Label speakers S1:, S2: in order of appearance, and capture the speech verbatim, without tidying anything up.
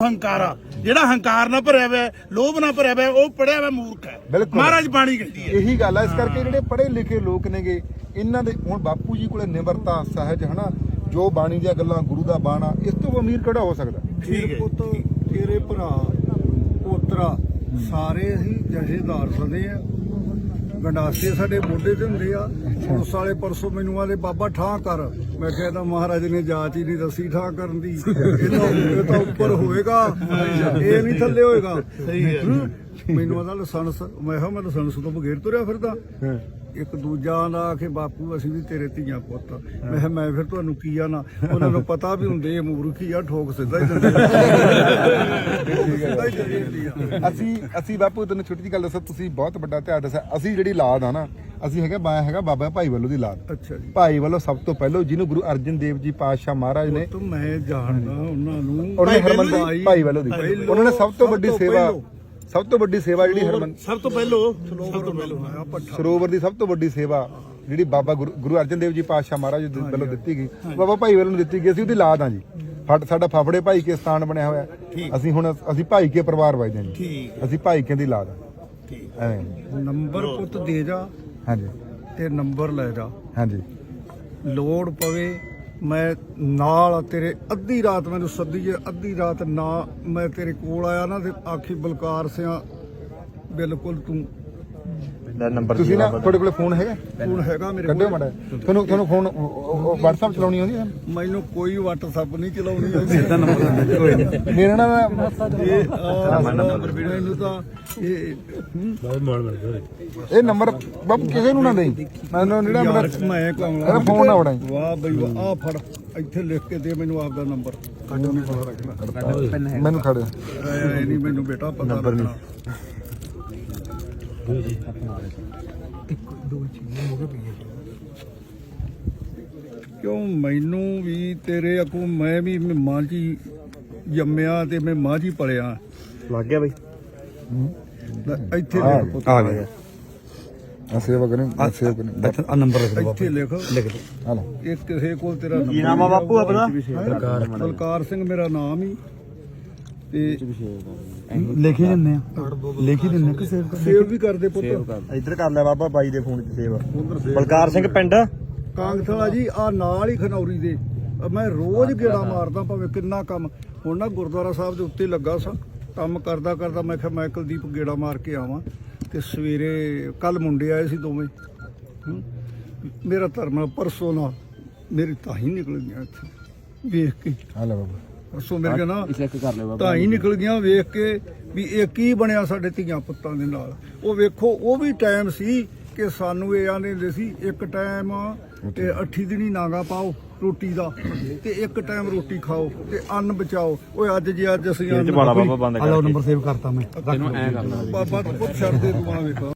S1: ਹੰਕਾਰ ਆ। ਜਿਹੜਾ ਹੰਕਾਰ ਨਾਲ ਭਰਿਆ ਹੋਇਆ, ਲੋਭ ਨਾਲ ਭਰਿਆ ਹੋਇਆ, ਉਹ ਪੜਿਆ ਹੋਇਆ ਮੂਰਖ ਹੈ। ਮਹਾਰਾਜ ਬਾਣੀ ਕਹਿੰਦੀ ਹੈ
S2: ਇਹੀ ਗੱਲ ਹੈ। ਇਸ ਕਰਕੇ ਜਿਹੜੇ ਪੜ੍ਹੇ ਲਿਖੇ ਲੋਕ ਨੇਗੇ, ਇਹਨਾਂ ਦੇ ਹੁਣ ਬਾਪੂ ਜੀ ਕੋਲੇ ਨਿਮਰਤਾ, ਸਹਿਜ, ਹਨਾ, ਜੋ ਬਾਣੀ ਦੀਆਂ ਗੱਲਾਂ, ਗੁਰੂ ਦਾ ਬਾਣਾ, ਇਸ ਤੋਂ ਅਮੀਰ ਕਿਹੜਾ ਹੋ ਸਕਦਾ।
S1: ਠੀਕ ਹੈ।
S3: ਪੁੱਤ ਤੇਰੇ ਭਰਾ ਪੋਤਰਾ ਸਾਰੇ ਅਸੀਂ ਜਥੇਦਾਰ ਸਦੇ ਆ, ਗੰਡਾਸੇ ਸਾਡੇ ਮੋਢੇ ਤੇ ਹੁੰਦੇ ਆ। ਪੁਲਿਸ ਵਾਲੇ ਪਰਸੋਂ ਮੈਨੂੰ ਆਲੇ ਬਾਬਾ ਠਾਂ ਕਰ, ਮੈਂ ਕਿਹਾ ਤਾਂ ਮਹਾਰਾਜ ਨੇ ਜਾਂਚ ਹੀ ਨਹੀਂ ਦੱਸੀ ਠਾਂ ਕਰਨ ਦੀ, ਇਹ ਤਾਂ ਉੱਪਰ ਹੋਏਗਾ, ਇਹ ਨਹੀਂ ਥੱਲੇ ਹੋਏਗਾ।
S1: ਸਹੀ ਹੈ।
S3: ਮੈਨੂੰ ਆਦਾ ਲਾਇਸੈਂਸ, ਮੈਂ ਕਿਹਾ ਮੈਂ ਲਾਇਸੈਂਸ ਤੋਂ ਬਗੈਰ ਤੁਰਿਆ ਫਿਰਦਾ। ਇੱਕ ਦੂਜਾ ਦਾ ਆਖੇ ਬਾਪੂ ਅਸੀਂ ਵੀ ਤੇਰੇ ਧੀਆਂ ਪੁੱਤ, ਮੈਂ ਕਿਹਾ ਮੈਂ ਫਿਰ ਤੁਹਾਨੂੰ ਕੀ ਆ ਨਾ, ਉਹਨਾਂ ਨੂੰ ਪਤਾ ਵੀ ਹੁੰਦੇ ਇਹ ਮੂਰਖੀ ਆ, ਠੋਕ ਸਿੱਧਾ ਹੀ ਦਿੰਦੇ।
S2: ਅਸੀਂ ਅਸੀਂ ਬਾਪੂ ਤੈਨੂੰ ਛੋਟੀ ਜਿਹੀ ਗੱਲ ਦੱਸਾਂ, ਤੁਸੀਂ ਬਹੁਤ ਵੱਡਾ ਇਤਿਹਾਸ ਦੱਸਿਆ। ਅਸੀਂ ਜਿਹੜੀ ਲਾਦ ਆ ਨਾ, ਅਸੀਂ ਹੈਗਾ ਮੈਂ ਹੈਗਾ ਬਾਬਾ ਭਾਈ ਵੱਲੋਂ ਦੀ ਲਾਦ।
S3: ਅੱਛਾ ਜੀ।
S2: ਭਾਈ ਵੱਲੋਂ ਸਭ ਤੋਂ ਪਹਿਲਾਂ ਜਿਹਨੂੰ ਗੁਰੂ ਅਰਜਨ ਦੇਵ ਜੀ ਪਾਤਸ਼ਾਹ ਮਹਾਰਾਜ ਨੇ,
S3: ਤਾਂ ਮੈਂ ਜਾਣਦਾ ਉਹਨਾਂ ਨੂੰ,
S2: ਉਹਨੇ ਹਰਮੰਦਰ ਭਾਈ ਵੱਲੋਂ ਦੀ, ਉਹਨਾਂ ਨੇ ਸਭ ਤੋਂ ਵੱਡੀ ਸੇਵਾ, ਸਭ ਤੋਂ ਵੱਡੀ ਸੇਵਾ ਜਿਹੜੀ ਹਰਮਨ
S1: ਸਭ ਤੋਂ ਪਹਿਲੋਂ ਸਭ ਤੋਂ ਪਹਿਲੋਂ
S2: ਸਰੋਵਰ ਦੀ ਸਭ ਤੋਂ ਵੱਡੀ ਸੇਵਾ ਜਿਹੜੀ ਬਾਬਾ ਗੁਰੂ ਅਰਜਨ ਦੇਵ ਜੀ ਪਾਤਸ਼ਾਹ ਮਹਾਰਾਜ ਦੇ ਵੱਲੋਂ ਦਿੱਤੀ ਗਈ, ਬਾਬਾ ਭਾਈ ਵੱਲੋਂ ਦਿੱਤੀ ਗਈ। ਅਸੀਂ ਉਹਦੀ ਲਾਦ ਹਾਂ ਜੀ। ਸਾਡਾ ਫਾਫੜੇ ਭਾਈ ਕੇ ਸਥਾਨ ਬਣਿਆ ਹੋਇਆ। ਅਸੀਂ ਹੁਣ ਅਸੀਂ ਭਾਈ ਕੇ ਪਰਿਵਾਰ ਵਜਦੇ ਹਾਂ ਜੀ। ਅਸੀਂ ਭਾਈ ਕੇ ਦੀ ਲਾਦ ਹਾਂ। ਐਵੇਂ
S3: ਨੰਬਰ ਪੁੱਤ ਦੇ ਜਾ।
S2: ਹਾਂਜੀ।
S3: ਤੇ ਨੰਬਰ ਲੈ ਜਾ।
S2: ਹਾਂਜੀ।
S3: ਲੋੜ ਪਵੇ ਮੈਂ ਨਾਲ ਤੇਰੇ, ਅੱਧੀ ਰਾਤ ਮੈਨੂੰ ਸੱਦੀ ਜੇ, ਅੱਧੀ ਰਾਤ ਨਾ ਮੈਂ ਤੇਰੇ ਕੋਲ ਆਇਆ ਨਾ ਤੇ ਆਖੀ ਬਲਕਾਰ ਸਿਆ ਬਿਲਕੁਲ ਤੂੰ
S2: ਨੰਬਰ ਤੁਸੀਂ ਨਾ, ਤੁਹਾਡੇ ਕੋਲ ਫੋਨ ਹੈਗਾ?
S3: ਫੋਨ ਹੈਗਾ ਮੇਰੇ
S2: ਕੋਲ। ਮਾੜਾ ਤੁਹਾਨੂੰ ਤੁਹਾਨੂੰ ਫੋਨ WhatsApp ਚਲਾਉਣੀ ਆਉਂਦੀ ਹੈ?
S3: ਮੈਨੂੰ ਕੋਈ WhatsApp ਨਹੀਂ ਚਲਾਉਣੀ ਆਉਂਦੀ। ਸਿੱਧਾ ਨੰਬਰ
S2: ਕੋਈ ਮੇਰਾ ਨਾਮ
S3: ਮੈਨੂੰ ਤਾਂ ਇਹ
S2: ਇਹ ਨੰਬਰ ਬਾਬੂ ਕਿਸੇ ਨੂੰ ਨਾ ਦੇਈ, ਮੈਨੂੰ ਜਿਹੜਾ ਮੇਰਾ
S3: ਮੈਂ
S2: ਇਹਦਾ ਫੋਨ ਨਾ ਉਡਾਈ।
S3: ਵਾਹ ਬਈ ਵਾਹ, ਆ ਫੜ ਇੱਥੇ ਲਿਖ ਕੇ ਦੇ ਮੈਨੂੰ ਆਪਦਾ ਨੰਬਰ। ਕੱਢੋ ਨਹੀਂ ਪਤਾ ਰੱਖਣਾ
S2: ਮੈਨੂੰ ਖੜੇ
S3: ਇਹ ਨਹੀਂ ਮੈਨੂੰ ਬੇਟਾ ਪਤਾ
S2: ਨੰਬਰ ਨਹੀਂ।
S3: ਕਿਉਂ ਮੈਨੂੰ ਵੀ ਤੇਰੇ ਅਕੂ, ਮੈਂ ਵੀ ਮਾਂ ਜੀ ਜੰਮਿਆ ਤੇ ਮੈਂ ਮਾਂ ਜੀ ਪਲਿਆ।
S2: ਲੱਗ ਗਿਆ ਬਈ
S3: ਇੱਥੇ ਲਿਖ
S2: ਆ ਗਿਆ। ਆ ਸੇਵਾ ਕਰੇ, ਸੇਵ ਕਰੇ
S3: ਆ ਨੰਬਰ ਇੱਥੇ ਲਿਖ ਲਿਖ
S2: ਆ ਲਓ।
S3: ਇਹ ਕਿਸੇ ਕੋਲ ਤੇਰਾ ਨੰਬਰ।
S2: ਕੀ ਨਾਮ ਆ ਬਾਪੂ ਆਪਣਾ?
S3: ਬਲਕਾਰ ਸਿੰਘ ਮੇਰਾ ਨਾਮ ਹੀ। ਤੇ
S4: ਲਿਖ ਹੀ ਦਿੰਦੇ ਆ, ਲਿਖ ਹੀ ਦਿੰਦੇ ਕਿ ਸੇਵ
S3: ਸੇਵ ਵੀ ਕਰਦੇ ਪੁੱਤ।
S2: ਇੱਧਰ ਕਰ ਲੈ ਬਾਬਾ ਬਾਈ ਦੇ ਫੋਨ 'ਚ ਸੇਵਾ। ਬਲਕਾਰ ਸਿੰਘ ਪਿੰਡ
S3: ਕਾਂਗਥਲਾ ਜੀ, ਆ ਨਾਲ ਹੀ ਖਨੌਰੀ ਦੇ। ਮੈਂ ਰੋਜ਼ ਗੇੜਾ ਮਾਰਦਾ, ਭਾਵੇਂ ਕਿੰਨਾ ਕੰਮ। ਹੁਣ ਨਾ ਗੁਰਦੁਆਰਾ ਸਾਹਿਬ ਦੇ ਉੱਤੇ ਲੱਗਾ ਸਾਂ, ਕੰਮ ਕਰਦਾ ਕਰਦਾ ਮੈਂ ਕਿਹਾ ਮੈਂ ਕੁਲਦੀਪ ਗੇੜਾ ਮਾਰ ਕੇ ਆਵਾਂ। ਤੇ ਸਵੇਰੇ ਕੱਲ ਮੁੰਡੇ ਆਏ ਸੀ ਦੋਵੇਂ, ਮੇਰਾ ਧਰਮ ਪਰਸੋਂ ਨਾਲ ਮੇਰੀ ਤਾਹੀਂ ਨਿਕਲ ਗਈਆਂ ਇੱਥੇ ਵੇਖ ਕੇ।
S2: ਆ ਲੈ ਬਾਬਾ
S3: ਪਰਸੋਂ ਮੇਰੇ ਨਾ ਤਾਹੀਂ ਨਿਕਲ ਗਈਆਂ ਵੇਖ ਕੇ ਵੀ ਇਹ ਕੀ ਬਣਿਆ ਸਾਡੇ ਧੀਆਂ ਪੁੱਤਾਂ ਦੇ ਨਾਲ। ਉਹ ਵੇਖੋ, ਉਹ ਵੀ ਟਾਈਮ ਸੀ ਕਿ ਸਾਨੂੰ ਇਹ ਆਂਦੇ ਹੁੰਦੇ ਸੀ ਇੱਕ ਟਾਈਮ ਤੇ ਅੱਠੀ ਦਿਨੀ ਨਾਗਾ ਪਾਓ ਰੋਟੀ ਦਾ, ਤੇ ਇੱਕ ਟਾਈਮ ਰੋਟੀ ਖਾਓ ਤੇ ਅੰਨ ਬਚਾਓ। ਓਏ ਅੱਜ ਜੇ ਅੱਜ ਅਸੀਂ
S4: ਬਾਬਾ ਬੰਦ ਕਰ ਨੰਬਰ ਸੇਵ ਕਰਤਾ ਮੈਂ।
S3: ਬਾਬਾ ਪੁੱਤ ਛੱਡ ਦੇ ਤੂੰ ਆ ਵੇਖ।